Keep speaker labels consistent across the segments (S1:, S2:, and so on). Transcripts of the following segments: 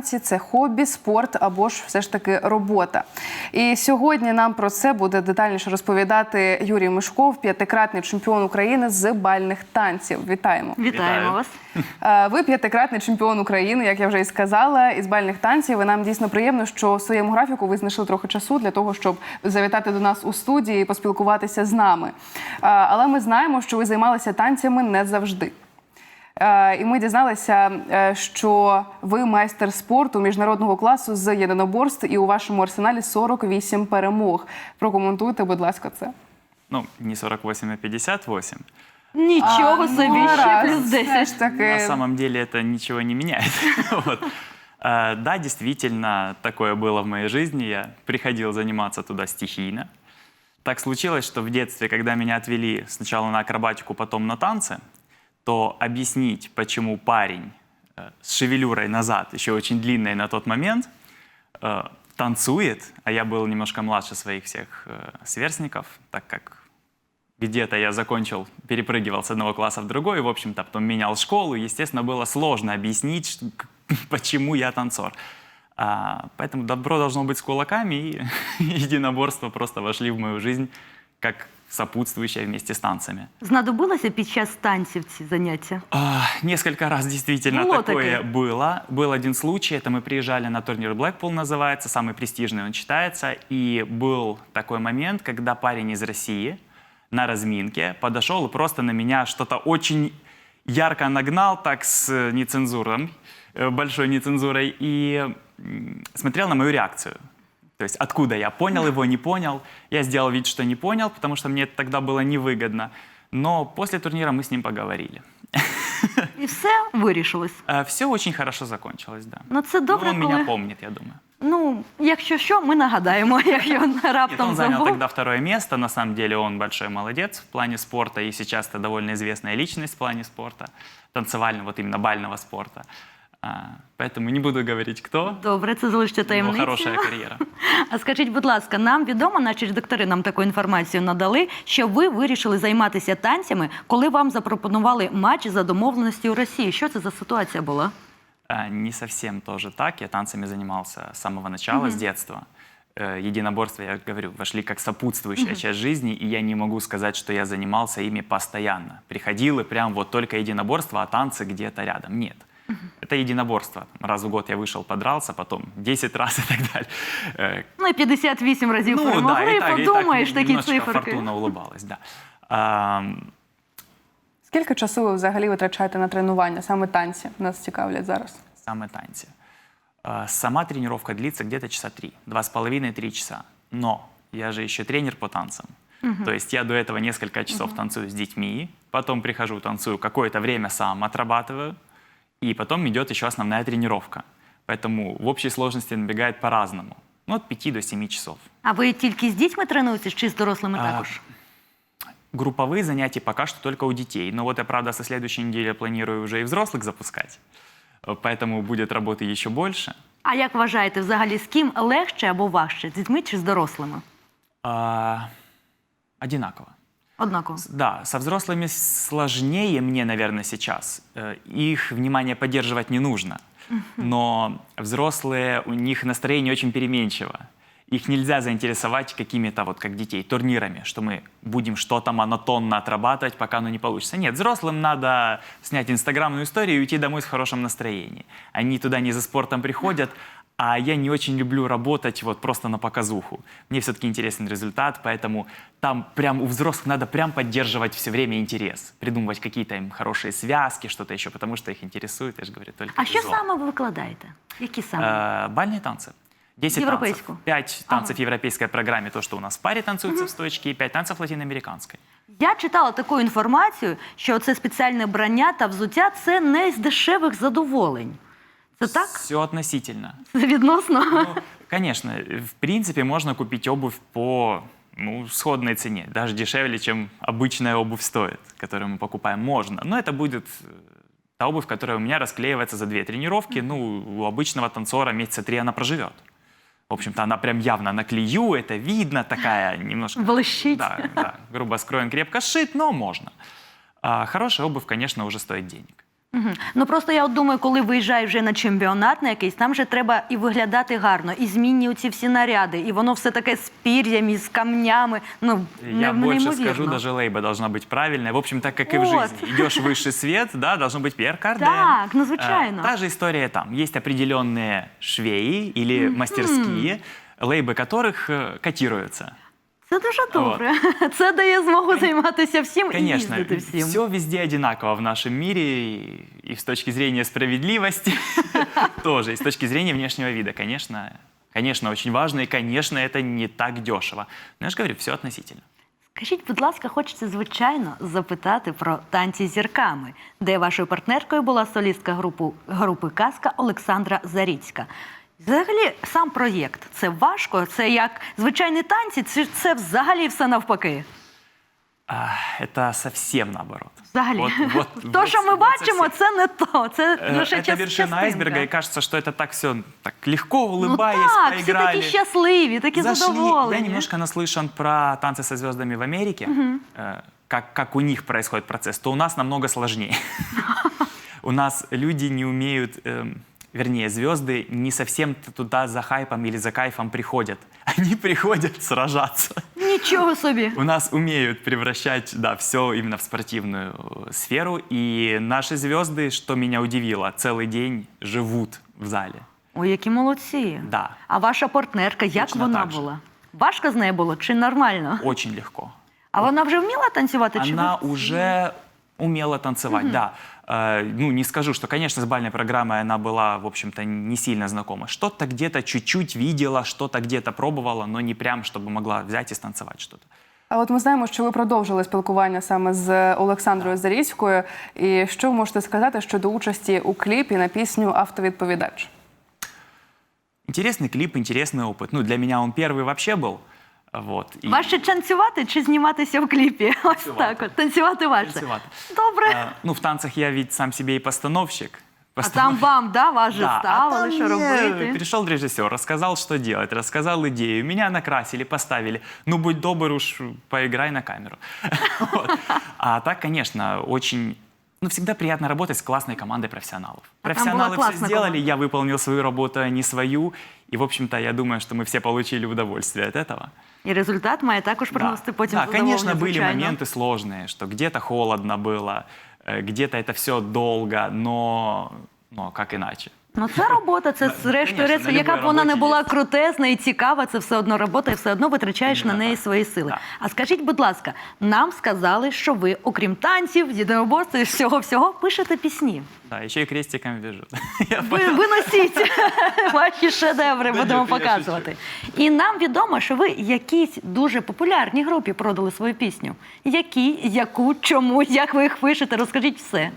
S1: виконавці, це хобі, спорт або ж все ж таки робота. І сьогодні нам про це буде детальніше розповідати Юрій Мишков, п'ятикратний чемпіон України з бальних танців. Вітаємо.
S2: Вітаємо вас.
S1: Ви п'ятикратний чемпіон України, як я вже і сказала, із бальних танців. І нам дійсно приємно, що в своєму графіку ви знайшли трохи часу для того, щоб завітати до нас у студії і поспілкуватися з нами. Але ми знаємо, що ви займалися танцями не завжди. І ми дізналися, що ви майстер спорту міжнародного класу з єдиноборств і у вашому арсеналі 48 перемог. Прокоментуйте, будь ласка, це.
S3: Ну, не 48, а 58.
S2: Нічого собі, ще плюс 10.
S3: На самом деле это ничего не меняет. Вот. Да, действительно, такое было в моей жизни. Я приходил заниматься туда стихийно. Так случилось, что в детстве, когда меня отвели сначала на акробатику, потом на танцы, то объяснить, почему парень с шевелюрой назад, еще очень длинной на тот момент, танцует, а я был немножко младше своих всех сверстников, так как где-то я закончил, перепрыгивал с одного класса в другой, в общем-то, потом менял школу, естественно, было сложно объяснить, почему я танцор. Поэтому добро должно быть с кулаками, и единоборства просто вошли в мою жизнь как сопутствующее вместе с танцами.
S2: Знадобилося під час танців ці заняття?
S3: Несколько раз действительно такое было. Был один случай, это мы приезжали на турнир Blackpool, называется, самый престижный он считается, и был такой момент, когда парень из России на разминке подошел и просто на меня что-то очень ярко нагнал, так с нецензурой, большой нецензурой, и смотрел на мою реакцию. То есть откуда я понял его, не понял. Я сделал вид, что не понял, потому что мне это тогда было невыгодно. Но после турнира мы с ним поговорили.
S2: І все вирішилось?
S3: Все очень хорошо закончилось, да.
S2: Ну це добре,
S3: он меня помнит, я думаю.
S2: Ну, якщо що, ми нагадаємо, якщо він раптом
S3: Он занял
S2: забув.
S3: тогда второе место. На самом деле он большой молодец в плане спорта. И сейчас это довольно известная личность в плане спорта. Танцевального, вот именно бального спорта. Поэтому не буду говорить, кто.
S2: Добре, це залишиться таємницею.
S3: Хорошая кар'єра.
S2: А скажіть, будь ласка, нам відомо, наші ж доктори нам таку інформацію надали, що ви вирішили займатися танцями, коли вам запропонували матч за домовленості у Росії. Що це за ситуація була?
S3: Не совсем тоже так. Я танцами занимался с самого начала, с детства. Единоборства, я говорю, вошли как сопутствующая часть жизни, и я не могу сказать, что я занимался ими постоянно. Приходил и прям вот только единоборство, а танцы где-то рядом. Нет. Это единоборство. Раз в год я вышел, подрался, потом 10 раз и так далее.
S2: Ну і 58 разів перемогли,
S3: да,
S2: і подумаєш, такі
S3: немножечко
S2: циферки.
S3: фортуна улыбалась, да.
S1: Скільки часу ви взагалі витрачаєте на тренування? Саме танці нас цікавлять зараз.
S3: Саме танцы. Сама тренировка длится где-то часа 3, 2,5-3 часа. Но я же еще тренер по танцам. То есть я до этого несколько часов танцую с детьми, потом прихожу, танцую какое-то время сам, отрабатываю, и потом идет еще основная тренировка. Поэтому в общей сложности набегает по-разному. Ну, от 5 до 7 часов.
S2: А ви тільки з дітьми тренуєтесь чи з дорослими також?
S3: Групповые занятия пока что только у детей. Но вот я, правда, со следующей недели планирую уже и взрослых запускать. Поэтому будет работы еще больше.
S2: А як вважаєте, взагалі, з ким легше або важче? З дітьми чи з дорослими?
S3: Одинаково.
S2: Однаково.
S3: Да, со взрослыми сложнее мне, наверное, сейчас. Их внимание поддерживать не нужно. Но взрослые, у них настроение очень переменчиво. Их нельзя заинтересовать какими-то, вот как детей, турнирами, что мы будем что-то монотонно отрабатывать, пока оно не получится. Нет, взрослым надо снять инстаграмную историю и уйти домой с хорошим настроением. Они туда не за спортом приходят, а я не очень люблю работать вот просто на показуху. Мне все-таки интересен результат, поэтому там прям у взрослых надо прям поддерживать все время интерес. Придумывать какие-то им хорошие связки, что-то еще, потому что их интересует, я же говорю, только
S2: А що
S3: визуал.
S2: саме ви викладаєте? Які саме?
S3: Бальные танцы. 10 танцев. 5 танцев в европейской программе, то, что у нас в паре танцуется в стоечке, и 5 танцев латиноамериканской.
S2: Я читала таку інформацію, що це спеціальне брання та взуття – це не з дешевих задоволень. Це так?
S3: Все относительно.
S2: Це відносно?
S3: Ну, конечно, в принципе, можно купить обувь по сходной цене, даже дешевле, чем обычная обувь стоит, которую мы покупаем, можно. Но это будет та обувь, которая у меня расклеивается за 2 тренировки. Ну, у обычного танцора месяца 3 она проживет. В общем-то, она прям явно на клею, это видно, такая немножко...
S2: Блещит.
S3: Да, грубо скроен, крепко сшит, но можно. Хорошая обувь, конечно, уже стоит денег.
S2: Мгм. Ну просто я от думаю, коли виїжджаєш вже на чемпіонат на якийсь, там же треба і виглядати гарно, і змінні оці всі наряди, і воно все таке з пір'ям, і з камнями. Ну,
S3: Я больше скажу,
S2: неймовірно.
S3: даже лейба должна быть правильная. В общем, так как и в
S2: Вот.
S3: жизни. Идешь в высший свет, да, должен быть Пьер Карден.
S2: Так, ну, звичайно.
S3: Та же история там. Есть определенные швеи или мастерские, лейбы которых котируются.
S2: Це дуже добре. Це дає змогу займатися всім і
S3: Конечно,
S2: їздити всім.
S3: все везде одинаково в нашем мире, и с точки зрения справедливости тоже, и с точки зрения внешнего вида, конечно, очень важно, и, конечно, это не так дешево. Но я же говорю, все относительно.
S2: Скажіть, будь ласка, хочеться, звичайно, запитати про танці з зірками, де вашою партнеркою була солістка групи «Казка» Олександра Заріцька. Взагалі, сам проєкт – це важко? Це як звичайні танці? Чи це взагалі все навпаки?
S3: Это совсем наоборот.
S2: Взагалі.
S3: Вот
S2: То, що ми бачимо,
S3: совсем.
S2: це не то. Це лише
S3: Это вершина
S2: частинка.
S3: айсберга, и кажется, что это так все так легко,
S2: Ну
S3: улыбаясь,
S2: так, всі
S3: поиграли.
S2: такі щасливі, такі
S3: Зашли.
S2: задоволені.
S3: Я немножко наслышан про «Танцы со звездами» в Америке, как у них происходит процесс, то у нас намного сложнее. У нас люди не умеют, вернее, звезды не совсем туда за хайпом или за кайфом приходят. Они приходят сражаться.
S2: Нічого собі.
S3: У нас умеют превращать, да, все именно в спортивную сферу. И наши звезды, что меня удивило, целый день живут в зале.
S2: Ой, які молодці.
S3: Да.
S2: А ваша партнерка, як
S3: Точно
S2: вона
S3: так же.
S2: була? Важко з нею було чи нормально?
S3: Очень легко.
S2: А вона вже вміла танцювати? Чи
S3: Она
S2: ви-
S3: уже умела танцевать, да. Ну, не скажу, что, конечно, с бальной программой она была, в общем-то, не сильно знакома. Что-то где-то чуть-чуть видела, что-то где-то пробовала, но не прям, чтобы могла взять и станцевать что-то.
S1: А от ми знаємо, що ви продовжили спілкування саме з Олександрою Заріцькою. І що ви можете сказати щодо участі у кліпі на пісню «Автовідповідач»?
S3: Интересный клип, интересный опыт. Ну, для меня он первый вообще был. Вот. И
S2: Важче танцювати чи зніматися в кліпі? Ось так от. Танцювати важче.
S3: танцевать.
S2: Добре.
S3: Ну, в танцах я ведь сам себе и постановщик.
S2: А там вам, да, вас же
S3: Да,
S2: ставили,
S3: там
S2: що
S3: мне
S2: робити?
S3: пришел режиссер, рассказал, что делать, рассказал идею. Меня накрасили, поставили. Ну, будь добр уж, поиграй на камеру. Вот. А так, конечно, очень... Ну, всегда приятно работать с классной командой профессионалов.
S2: А там была
S3: Профессионалы все
S2: классная
S3: сделали,
S2: команда.
S3: я выполнил свою работу, а не свою. И, в общем-то, я думаю, что мы все получили удовольствие от этого.
S2: І результат має також приносити потім
S3: Да,
S2: задоволення,
S3: конечно, были
S2: звичайно.
S3: моменты сложные, что где-то холодно было, где-то это все долго, но как иначе?
S2: Ну це робота, це зрештою,
S3: конечно, на
S2: яка б
S3: любой
S2: вона не
S3: роботі
S2: була
S3: є.
S2: крутезна і цікава, це все одно робота, і все одно витрачаєш на
S3: Іменно
S2: неї
S3: так.
S2: свої сили.
S3: Так.
S2: А скажіть, будь ласка, нам сказали, що ви, окрім танців, єдиноборств і всього-всього, пишете пісні.
S3: Да, еще и крестиком вяжу.
S2: Ви носіть ваші шедеври,
S3: Да
S2: будемо
S3: ні, я
S2: показувати. І нам відомо, що ви якійсь дуже популярній групі продали свою пісню. Які, яку, чому, як ви їх пишете? Розкажіть все.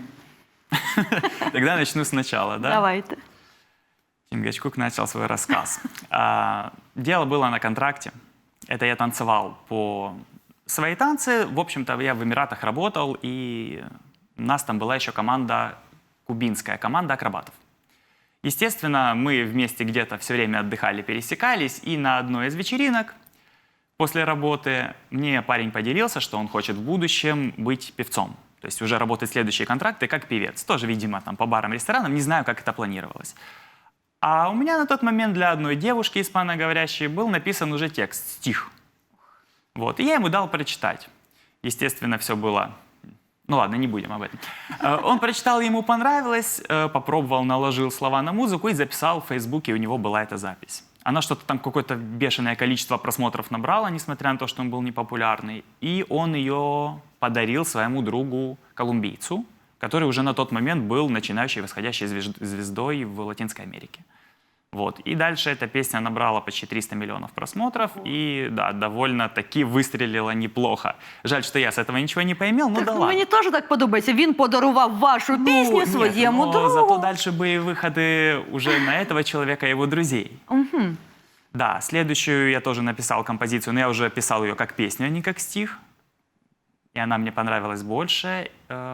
S3: Тогда начну сначала, да?
S2: Давайте.
S3: Чингачгук начал свой рассказ. Дело было на контракте. Это я танцевал по свои танцы. В общем-то, я в Эмиратах работал, и у нас там была еще команда, кубинская команда акробатов. Естественно, мы вместе где-то все время отдыхали, пересекались, и на одной из вечеринок после работы мне парень поделился, что он хочет в будущем быть певцом. То есть уже работать следующие контракты как певец. Тоже, видимо, там по барам, ресторанам. Не знаю, как это планировалось. А у меня на тот момент для одной девушки испаноговорящей был написан уже текст, стих. Вот. И я ему дал прочитать. Естественно, все было... Ну ладно, не будем об этом. Он прочитал, ему понравилось, попробовал, наложил слова на музыку и записал в Фейсбуке, у него была эта запись. Она что-то там, какое-то бешеное количество просмотров набрала, несмотря на то, что он был непопулярный. И он ее подарил своему другу колумбийцу, который уже на тот момент был начинающей восходящей звездой в Латинской Америке. Вот. И дальше эта песня набрала почти 300 миллионов просмотров и, да, довольно-таки выстрелила неплохо. Жаль, что я с этого ничего не поимел, ну да ладно.
S2: Мені теж так подобається. Він подарував вашу пісню
S3: Нет,
S2: своєму
S3: но
S2: другу.
S3: зато дальше были выходы уже на этого человека и его друзей. Да, следующую я тоже написал композицию, но я уже писал ее как песню, а не как стих. И она мне понравилась больше.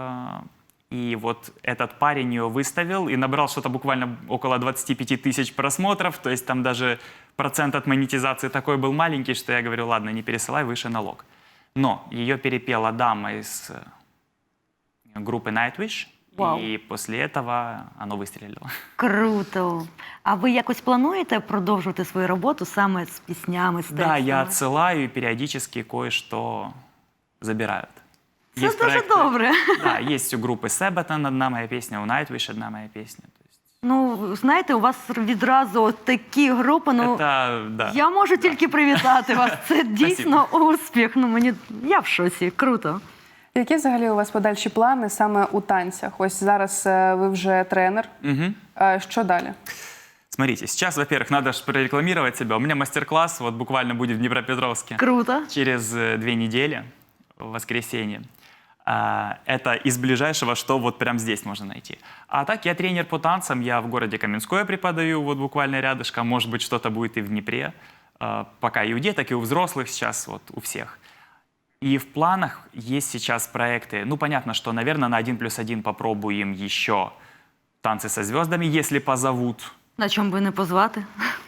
S3: И вот этот парень ее выставил и набрал что-то буквально около 25 тысяч просмотров. То есть там даже процент от монетизации такой был маленький, что я говорю, ладно, не пересылай, выше налог. Но ее перепела дама из группы Nightwish.
S2: Вау.
S3: И после этого оно выстрелило.
S2: Круто. А ви якось плануєте продовжувати свою роботу саме з піснями, з текстами?
S3: Да, я отсылаю и периодически кое-что забирают.
S2: Це
S3: Есть
S2: дуже
S3: проекты-
S2: добре.
S3: Да, есть у группы Себатон одна моя песня, у Nightwish одна моя песня. То есть
S2: Ну, знаєте, у вас відразу от такі групи, ну,
S3: это, да.
S2: я можу тільки привітати вас. Це дійсно успіх. Ну, я в шоці. Круто.
S1: Які взагалі у вас подальші плани саме у танцях? Ось зараз ви вже тренер.
S3: Мгм.
S1: Що далі?
S3: Смотрите, сейчас, во-первых, надо же прорекламировать себя. У меня мастер-класс вот буквально будет в Днепропетровске
S2: Круто.
S3: через 2 недели, в воскресенье. Это из ближайшего, что вот прямо здесь можно найти. А так, я тренер по танцам, я в городе Каменское преподаю, вот буквально рядышком. Может быть, что-то будет и в Днепре. Пока и у деток, и у взрослых сейчас, вот у всех. И в планах есть сейчас проекты. Ну, понятно, что, наверное, на 1+1 попробуем еще танцы со звездами, если позовут.
S2: На чому би не позвати?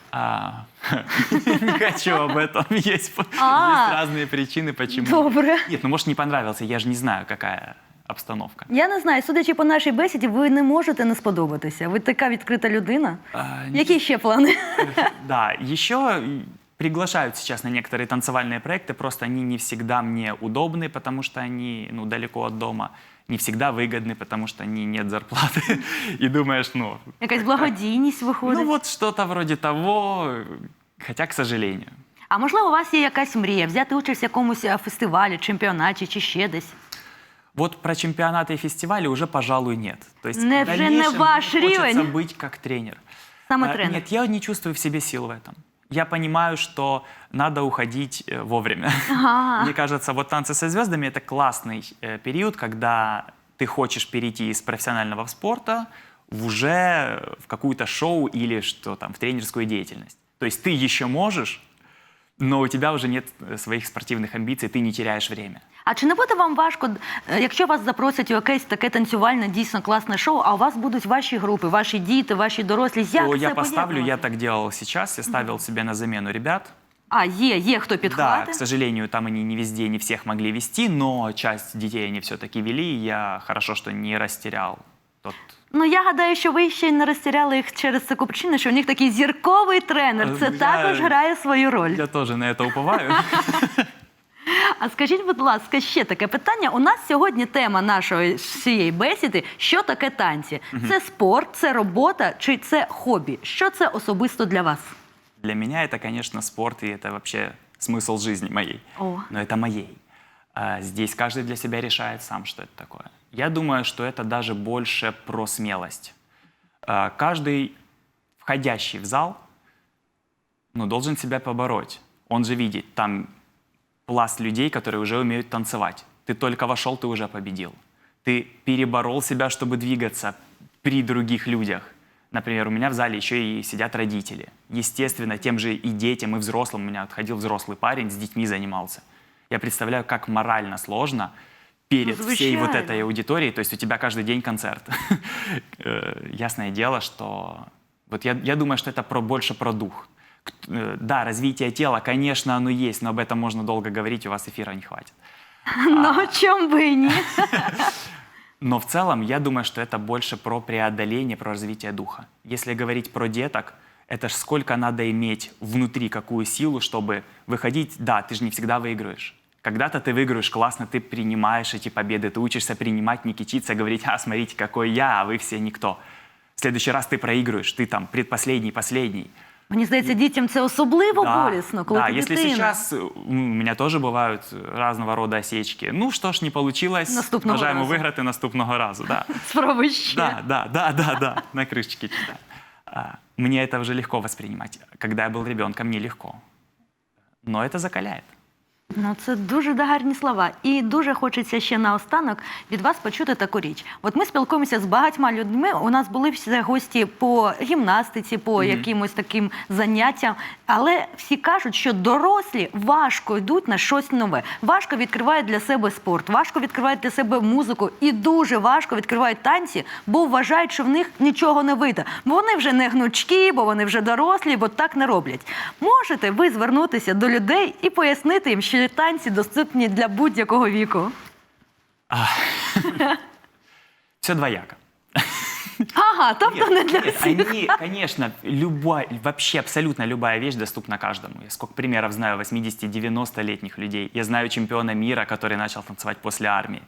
S3: Не хочу об этом. Есть разные причины, почему.
S2: Добре.
S3: Нет, ну может не понравился, я же не знаю, какая обстановка.
S2: Я не знаю, судячи по нашій бесіді, ви не можете не сподобатися. Ви така відкрита людина. Які ще плани?
S3: Да, еще приглашают сейчас на некоторые танцевальные проекты, просто они не всегда мне удобны, потому что они далеко от дома, не всегда выгодны, потому что нет зарплаты. И думаешь,
S2: Якась благодійність виходить.
S3: ну вот что-то вроде того, хотя, к сожалению.
S2: А можливо, у вас є якась мрія взяти участь в якомусь фестивалі, чемпіонаті чи ще десь?
S3: Вот про чемпионаты и фестивали уже, пожалуй, нет. То есть
S2: Не,
S3: в
S2: вже не
S3: дальнейшем
S2: ваш
S3: мне хочется
S2: рівень.
S3: быть как тренер.
S2: Саме тренер.
S3: Нет, я не чувствую в себе сил в этом. Я понимаю, что надо уходить вовремя. Мне кажется, вот «Танцы со звездами» — это классный период, когда ты хочешь перейти из профессионального спорта уже в какую-то шоу или что там, в тренерскую деятельность. То есть ты еще можешь, но у тебя уже нет своих спортивных амбиций, ты не теряешь время.
S2: А чи не буде вам важко, якщо вас запросять у якесь таке танцювальне, дійсно класне шоу, а у вас будуть ваші групи, ваші діти, ваші дорослі? Як
S3: То
S2: це
S3: я поставлю, я
S2: поєднувати?
S3: так делал сейчас, я ставил себе на замену ребят.
S2: А, є хто
S3: Да,
S2: підхватить?
S3: к сожалению, там они не везде, не всех могли вести, но часть детей они все-таки вели, и я хорошо, что не растерял тот.
S2: Ну, я гадаю, що ви ще й не розтіряли їх через таку причину, що у них такий зірковий тренер. Це
S3: Я-
S2: також грає свою роль.
S3: Я тоже на это уповаю.
S2: А скажіть, будь ласка, ще таке питання. У нас сьогодні тема нашої всієї бесіди – що таке танці? Це спорт, це робота чи це хобі? Що це особисто для вас?
S3: Для меня это, конечно, спорт, и это вообще смысл жизни моей.
S2: О.
S3: Но это моей. Здесь каждый для себя решает сам, что это такое. Я думаю, что это даже больше про смелость. Каждый входящий в зал должен себя побороть. Он же видит, там пласт людей, которые уже умеют танцевать. Ты только вошел, ты уже победил. Ты переборол себя, чтобы двигаться при других людях. Например, у меня в зале еще и сидят родители. Естественно, тем же и детям, и взрослым. У меня ходил взрослый парень, с детьми занимался. Я представляю, как морально сложно перед всей вот
S2: Звичайно.
S3: этой аудиторией. То есть у тебя каждый день концерт. Ясное дело, что... Вот я думаю, что это больше про дух. Да, развитие тела, конечно, оно есть, но об этом можно долго говорить, у вас эфира не хватит.
S2: Ну, чому би і ні?
S3: Но в целом, я думаю, что это больше про преодоление, про развитие духа. Если говорить про деток, это ж сколько надо иметь внутри какую силу, чтобы выходить. Да, ты же не всегда выигрываешь. Когда-то ты выигрываешь классно, ты принимаешь эти победы, ты учишься принимать, не кичиться, говорить: смотрите, какой я, а вы все никто. В следующий раз ты проигрываешь, ты там предпоследний, последний.
S2: Мені здається, дітям це особливо болісно, коли
S3: да,
S2: ти
S3: если
S2: дитина.
S3: сейчас у меня тоже бывают разного рода осечки. Ну что ж, не получилось,
S2: Наступного
S3: бажаємо
S2: разу.
S3: виграти наступного разу. Да.
S2: Спробуй ще.
S3: Да, на крышечке читаю. Мне это уже легко воспринимать. Когда я был ребенком, нелегко. Но это закаляет.
S2: Ну, це дуже гарні слова. І дуже хочеться ще наостанок від вас почути таку річ. От ми спілкуємося з багатьма людьми, у нас були всі гості по гімнастиці, по якимось таким заняттям, але всі кажуть, що дорослі важко йдуть на щось нове. Важко відкривають для себе спорт, важко відкривають для себе музику і дуже важко відкривають танці, бо вважають, що в них нічого не вийде. Бо вони вже не гнучкі, бо вони вже дорослі, бо так не роблять. Можете ви звернутися до людей і пояснити їм, що танці доступні для будь-якого віку?
S3: Все двояко.
S2: Ага, тобто не для
S3: Нет,
S2: всіх.
S3: они, конечно, вообще абсолютно любая вещь доступна каждому. Я сколько примеров знаю 80-90-летних людей. Я знаю чемпиона мира, который начал танцевать после армии.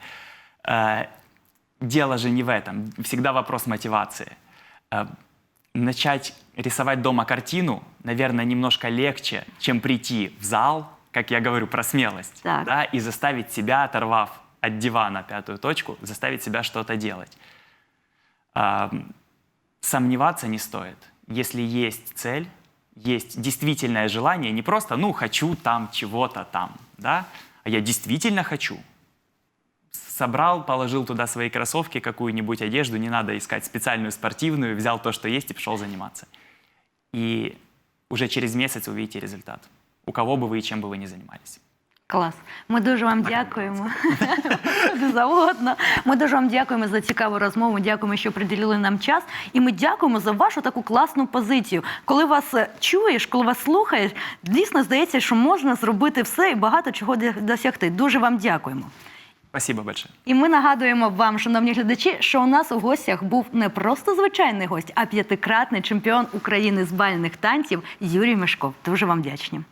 S3: Дело же не в этом. Всегда вопрос мотивации. Начать рисовать дома картину, наверное, немножко легче, чем прийти в зал, как я говорю, про смелость,
S2: Так.
S3: да, и заставить себя, оторвав от дивана пятую точку, заставить себя что-то делать. Сомневаться не стоит. Если есть цель, есть действительное желание, не просто, ну, хочу там чего-то там, да, а я действительно хочу. Собрал, положил туда свои кроссовки, какую-нибудь одежду, не надо искать специальную спортивную, взял то, что есть, и пошел заниматься. И уже через месяц увидите результат. У кого бы вы и чем бы вы ни занимались.
S2: Клас. Ми дуже вам дякуємо. Куди завгодно. Ми дуже вам дякуємо за цікаву розмову, дякуємо, що приділили нам час. І ми дякуємо за вашу таку класну позицію. Коли вас чуєш, коли вас слухаєш, дійсно здається, що можна зробити все і багато чого досягти. Дуже вам дякуємо.
S3: Спасибо большое.
S2: І ми нагадуємо вам, шановні глядачі, що у нас у гостях був не просто звичайний гость, а 5-кратний чемпіон України з бальних танців Юрій Мешков. Дуже вам вдячні.